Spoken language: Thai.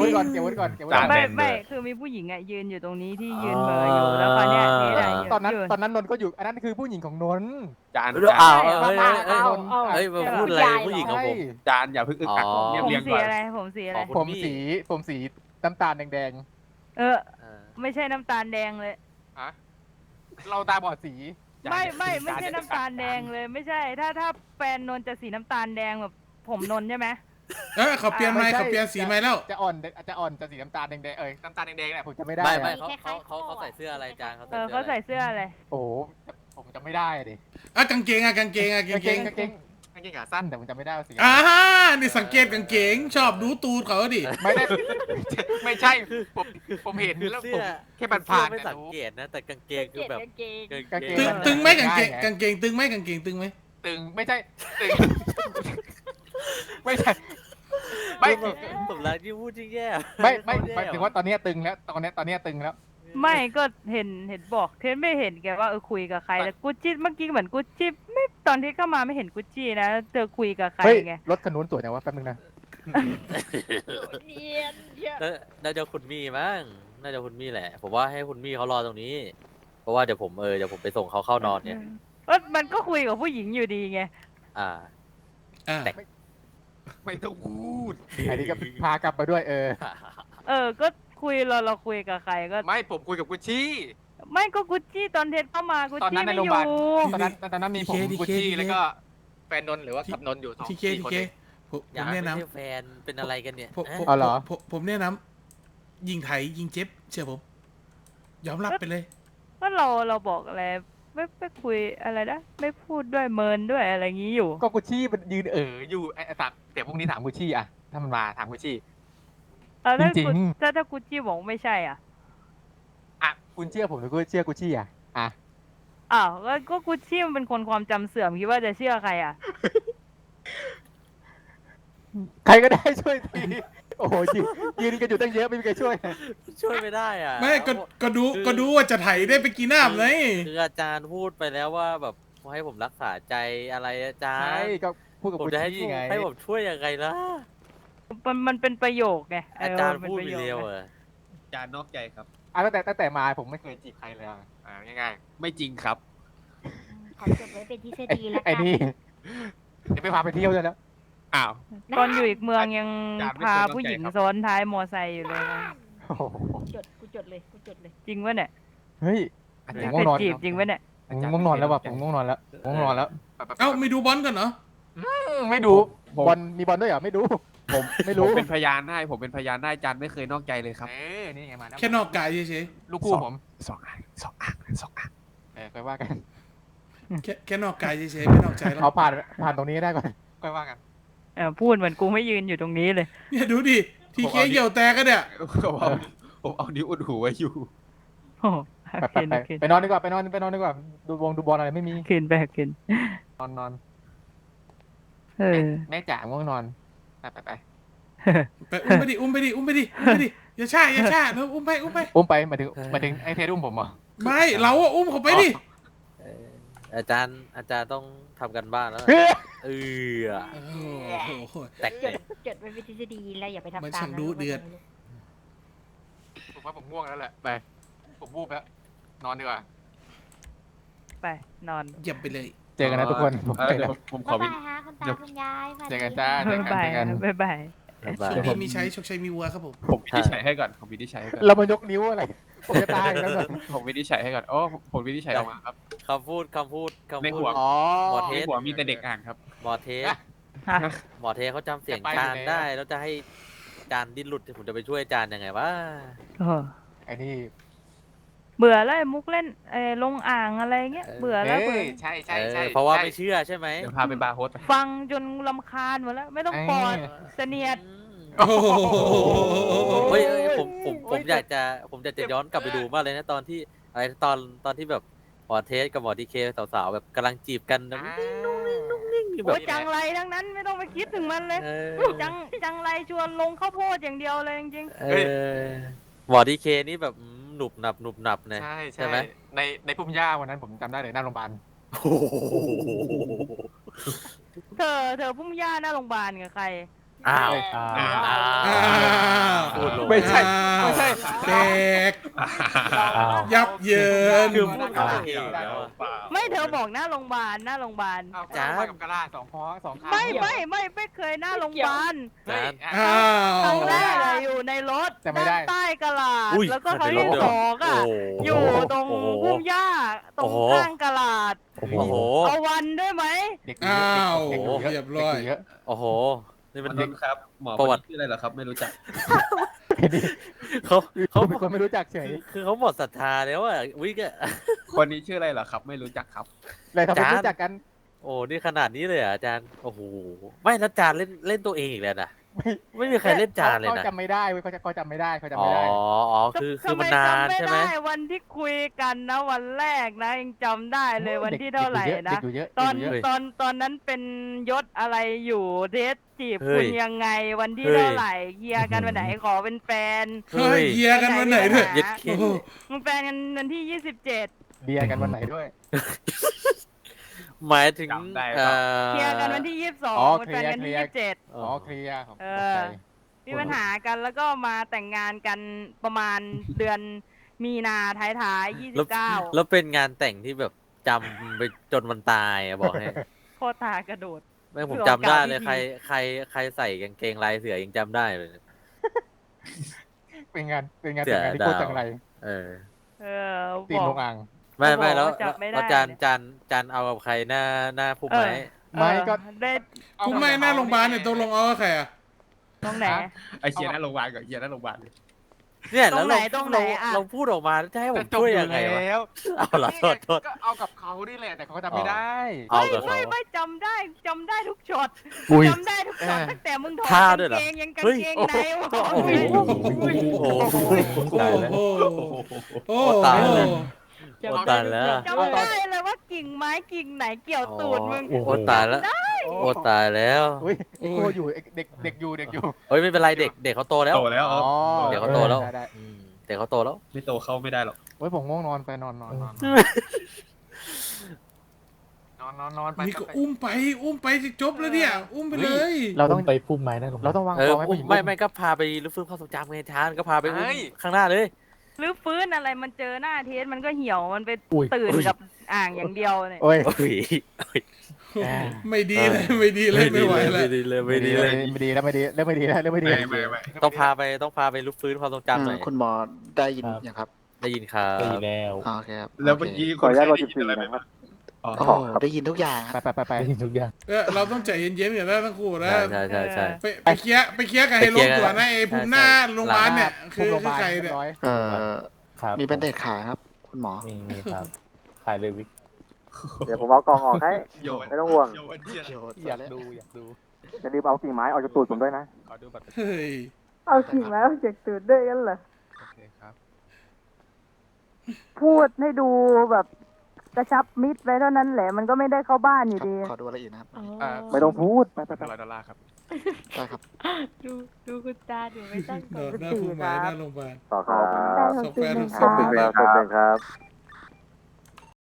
ว้ก่อนเก็บไว้ก่อนเก็บไว้ก่อนไม่คือมีผู้หญิงอ่ะยืนอยู่ตรงนี้ที่ยืนเหม่ออยู่แล้วคราวเนี้ยนี่แหละตอนนั้นนนท์ก็อยู่อันนั้นคือผู้หญิงของนนท์จานอ้าวเฮ้ยมาพูดอะไรผู้หญิงของผมจานอย่าเพิ่งอึกอักเรียบผมเรียงสีก่อนอะไรผมสีอะไรผมสีน้ำตาลแดงไม่ใช่น้ำตาลแดงเลยๆฮะเราตาบอดสีไม่ใช่น้ำตาลแดงเลยไม่ใช่ถ้าแฟนนนจะสีน้ำตาลแดงแบบผมนนใช่ไหมเขาเปลี่ยนไหมเขาเปลี่ยนสีไหมแล้วจะอ่อนจะสีน้ำตาลแดงๆน้ำตาลแดงๆแหละผมจะไม่ได้ไม่เขาใส่เสื้ออะไรจานเขาเขาใส่เสื้ออะไรโอ้ผมจะไม่ได้ดิกางเกงกางเกงขาสั้นแต่ผมจะไม่ได้สีนี่สังเกตกางเกงชอบดูตูดเขาดิไม่ใช่ผมเห็นแล้วผมแค่ผ่านไม่สังเกตนะแต่กางเกงคือแบบตึงไหมกางเกงตึงไหมกางเกงตึงไหมตึงไม่ใช่ตึงไม่ใช่ไม่ผมรักที่พูดจริงแย่ไม่ถึงว่าตอนนี้ตึงแล้วตอนนี้ตึงแล้วไม่ก็เห็นบอกเทนไม่เห็นแกว่าคุยกับใครแต่กุชชี่เมื่อกี้เหมือนกุชชี่ไม่ตอนที่เข้ามาไม่เห็นกุชชี่นะเธอคุยกับใครไงรถคันนู้นสวยนะว่าแป๊บนึงนะน่าจะคุณมี่มั้งน่าจะคุณมี่แหละ ผมว่าให้คุณมี่เขารอตรงนี้ เพราะว่าเดี๋ยวผมไปส่งเขาเข้านอนเนี่ยมันก็คุยกับผู้หญิงอยู่ดีไงไม่ต้องพูดอันนี้ก็พากลับมาด้วยก็คุยเราคุยกับใครก็ไม่ผมคุยกับกุชชี่ไม่ก็กุชชี่ตอนเทนเข้ามากุชชี่ไม่อยู่ตอนนั้นมีผมกุชชี่แล้วก็แฟนนนหรือว่ากับนนอยู่2 4 คนผมแนะนำแฟนเป็นอะไรกันเนี่ยผมแนะนำยิงไถยิงเจ็บเชื่อผมยอมรับไปเลยก็เราบอกอะไรไม่คุยอะไรนะไม่พูดด้วยเมินด้วยอะไรงี้อยู่ก็กุชชี่มันยืนอยู่เดี๋ยวพรุ่งนี้ถามกุชชี่อะถ้ามันมาถามกุชชี่จริงถ้ากุชชี่บอกไม่ใช่อ่ะคุณเชื่อผมหรือคุณเชื่อกุชชี่อ่ะก็กุชชี่มันเป็นคนความจำเสื่อมคิดว่าจะเชื่อใครอ่ะใครก็ได้ช่วยทีโอ้โหยืนกันอยู่ตั้งเยอะไม่มีใครช่วยไม่ได้อ่ะไม่ก็ดูว่าจะไถได้ไปกี่น้ำเลยคืออาจารย์พูดไปแล้วว่าแบบให้ผมรักษาใจอะไรอาจารย์ใช่ก็พูดกับกุชชี่ไงให้ผมช่วยยังไงล่ะมันเป็นประโยคไงอาจารย์พูดไปเร็วอาจารย์นอกใจครับตั้งแต่มาผมไม่เคยจีบใครเลยง่ายๆไม่จริงครับขอจดไว้เป็นทฤษฎีแล้วกันไอ้นี่เดี๋ยวไปพาไปเที่ยวเลยแล้วตอนอยู่อีกเมืองยังพาผู้หญิงซ้อนท้ายมอไซค์อยู่เลยกูจดเลยจริงวะเนี่ยเฮ้ยง่วงนอนจริงวะเนี่ยง่วงนอนแล้วว่ะผมง่วงนอนแล้วไม่ดูบอลกันเหรอไม่ดูบอลมีบอลด้วยเหรอไม่ดูผมไม่รู้ผมเป็นพยานได้อาจารย์ไม่เคยนอกใจเลยครับนี่ไงมาแค่นอกกายเฉยๆลูกคู่ผม 2 อ่างไปว่ากันแค่นอกกายเฉยๆไม่นอกใจแล้วเอาผ่านตรงนี้ได้ก่อนค่อยว่ากันพูดเหมือนกูไม่ยืนอยู่ตรงนี้เลยเนี่ยดูดิทีเคเหี่ยวแตกกันเนี่ยผมเอานิ้วอุดหูไว้อยู่ไปนอนดีกว่าไปนอนดีกว่าดูบอลอะไรไม่มีขึ้นนอนแม่จ๋าง่วงนอนไปอุ้มไปดิอย่าช้าแล้วอุ้มไปมาถึงไอ้เทสอุ้มผมเหรอไม่เราอุ้มเขาไปดิอาจารย์ต้องทำกันบ้านแล้วแตกจดไว้เป็นทฤษฎีแล้วอย่าไปทำตามมันช่างดูเดือดผมว่าผมง่วงแล้วแหละไปผมวูบแล้วนอนดีกว่าไปนอนเยี่ยมไปเลยเจอกันนะทุกคนผมขอบ๊ายบายฮะคุณตาคุณยายเจอกันจ้าบ๊ายบายโชคดีมีใช้โชคชัยมีวัวครับผมวินิจฉัยให้ก่อนเรามายกนิ้วอะไรผมจะตายแล้วผมวินิจฉัยให้ก่อนผมวินิจฉัยออกมาครับคำพูดในหัวหมอเทสมีแต่เด็กอ่านครับหมอเทสเขาจำเสียงจานได้แล้วจะให้จานดิ้นหลุดผมจะไปช่วยจานยังไงวะไอ้นี่เบื่อแล้วมุกเล่นลงอ่างอะไรเงี้ยเบื่อแล้วใช่เพราะว่าไม่เชื่อใช่ไหมเดี๋ยวพาไปบาร์โฮสฟังจนรำคาญหมดแล้วไม่ต้องปอดเสนียดเฮ้ยผมอยากจะย้อนกลับไปดูมากเลยนะตอนที่ตอนที่แบบหมอเทสกับหมอดีเคสาวๆแบบกำลังจีบกันนิ่งแบบจังไรทั้งนั้นไม่ต้องไปคิดถึงมันเลยจังไรชวนลงข้าวโพดอย่างเดียวเลยจริงหมอดีเคนี่แบบหนุบหนับเนี่ยใช่ไหมในพุ่มหญ้าวันนั้นผมจำได้เลยหน้าโรงพยาบาลเธอพุ่มหญ้าหน้าโรงพยาบาลกับใครอ้าวอ้าวอ้าวอ้าวพูดลงไม่ใช่อ้าวไม่ใช่แตกยับเยินคือพูดเข้าตัวเองแล้วอะไม่เธอบอกหน้าโรงพยาบาลหน้าโรงพยาบาลเอาจ้าไปกับกระดาษสองข้อสองข้างไม่เคยหน้าโรงพยาบาลเฮ้ยอ้าครั้งวแรกอะอยู่ในรถแต่ไม่ได้ด้านใต้กระลาดอุ้ยแล้วก็ครั้งที่ในรถสองอะโอ้โหอยู่ตรงพุ่มหญ้าตรโอ้งโหข้างกระลาดโอ้โหเอาวันด้วยไหมเด็กอ้าวเด็กอยู่เยอะเรียบร้อยเด็กอยู่เยอะโอ้โห นี่มันนนท์ครับ หมอประวัติชื่ออะไรเหรอครับ ไม่รู้จักเขาเขาเป็นคนไม่รู้จักเฉยคือเขาหมดศรัทธาแล้วอะวิกอะคนนี้ชื่ออะไรเหรอครับ ไม่รู้จักครับเลยทำไมจานรู้จักกันโอ้นี่ขนาดนี้เลยเหรออาจารย์ โอ้โห ไม่แล้วจานเล่นตัวเองอีกแล้วนะ ไม่มีใครเล่นจานเลยเขานะจำไม่ได้เว้ยเขาจำไม่ได้เขาจำอ๋อไม่ได้อ๋อ คือมันนานทำไใช่ไหมจำด้วันที่คุยกันนะวันแรกนะยังจำได้เลยวันที่เท่าไหร่นะเด็กอยู่เยอะตอนเด็กอยู่เยอะตอนนั้นเป็นยศอะไรอยู่เดทจีบเฮ้คุยณยังไงวันที่เฮ้ยเท่าไหร่เคลียร์กันวันไหนขอเป็นแฟนเฮ้ยเฮียกันวันไหนด้วยเย็ดเคโอ้โหมึงแฟนกันวันที่ 27 เบียร์กันวันไหนด้วยหมายถึงจำได้เคลียร์กันวันที่อ๋อ 22เป็นแฟนกันที่เคลียร์ 27 อ๋อเคลียร์ของเอตกอใจมีปัญหากันแล้วก็มาแต่งงานกันประมาณเดือนมีนาท้ายๆแล้ว 29 แล้วเป็นงานแต่งที่แบบจำไปจนวันตายอะบอกให้โคตรทากระโดดแม่งผมคือจำได้โอกาสเลยที่ใครใส่กางเกงลายเสือยังจำได้เลยเป็นงานแต่งงานเสียที่โคตรดาวจังไรเออเออตีนบลอกงอ่างไม่เขาบอกไม่แล้วว่าจับไม่ได้แล้วจานเนี่ยจานเอากับใครหน้าพุ่มไม้ไม่ก็ได้คุณไม่หน้าโรงพยาบาลเนี่ยตกลงเอากับใครอ่ะตรงไหนไอเชียร์หน้าโรงพยาบาลกับเชียร์หน้าโรงพยาบาลเลยเนี่ยตรแล้วงไหนเราตรงไหนอะเราพูดออกมาแล้วจะให้ผมจบช่วยอยู่ยังไงวะแล้วเอาละโทษโทษก็เอากับเขานี่แหละแต่เขาจำไม่ได้เอากับเขาไม่จำได้ทุกช็อตอุ้ยจำได้ทุกช็อตตั้งแต่มึงถอดท่ากางด้วยเหรอเกงยังกางเฮ้ยเกงในวะโอ้โหโอ้โหโอ้โหโอ้โอ้โหตายแล้ว โอ้ตายแล้วจำได้เลยว่ากิ่งไม้กิ่งไหนเกี่ยวตูดมึงโอ้ตายแล้วโอ้ตายแล้วอุ้ยไอ้โคอยู่ไอ้เด็กอยู่เฮ้ยไม่เป็นไรเด็กเขาโตแล้วโตแล้วอ๋อเดี๋ยวเขาโตแล้วได้อืมเด็กเขาโตแล้วไม่โตเข้าไม่ได้หรอกเฮ้ยผมง่วงนอนไปนอนไปนี่ก็อุ้มไปจะจบแล้วเนี่ย อุ้มไปเลยเราต้องไปพุ่มไม้นะลงเราต้องวางเออกองให้ผู้หญิงไม่ก็พาไปรื้อฟื้นความทรงจำไงทานก็พาไปอุ้มข้างหน้าเลยหรือฟื้นอะไรมันเจอหน้าเทสมันก็เหี่ยวมันไปอุ้ยตื่นกับอ่างอย่างเดียวเนี่ยโอ้ยโอ้ยไม่ดีเลยไม่ดีเลยไม่ไหวเลยไม่ดีเลยไม่ดีเลยไม่ดีแล้วไม่ดีแล้วไม่ดีแล้วไม่ดีไม่ต้องพาไปรื้อฟื้นความทรงจำหน่อยคุณหมอได้ยินยังครับได้ยินครับดีแล้วอ๋อโอเคครับแล้วเมื่อกี้ขออนุญาตคนไข้ได้ยินอะไรไหม อ๋อโอ้โหได้ยินทุกอย่างครับไปได้ยินทุกอย่างเราต้องใจเย็นๆกันแล้วทั้งคู่นะใช่ไปเคลียร์กันให้ลงตัวนะไอ้ภูมิหน้าโรงพยาบาลเนี่ยคุคืมอโรงพยาบาลใครเรีเนี่ย ยบร้อยครับมีเป็นเด็ดขายครับ คุณหมอมีครับ ขายเลยวิกเดี๋ยวผมเอากล่องออกให้โยนไม่ต้องห่วงโยนเชียร์อยากดูอยากดูอย่าลืมเอากิ่งไม้ออกจากตูดผมด้วยนะขอดูบัตรเฮ้ยเอาขิงแล้วจากตื่นด้วยกันเหรอโอเคครับพูดให้ดูแบบกระชับมิดไว้เท่านั้นแหละมันก็ไม่ได้เข้าบ้านอยู่ดีขอดูอะไรอีกนะครับไม่ต้องพูด ไป $100ครับได้ครับดูคุณตาดูไม่ตั้งโดดหน้าภูมิหน้าโรงพยาบาลต่อครับศพแฟนทุกศขอบพคุณครับขอบคุณครับ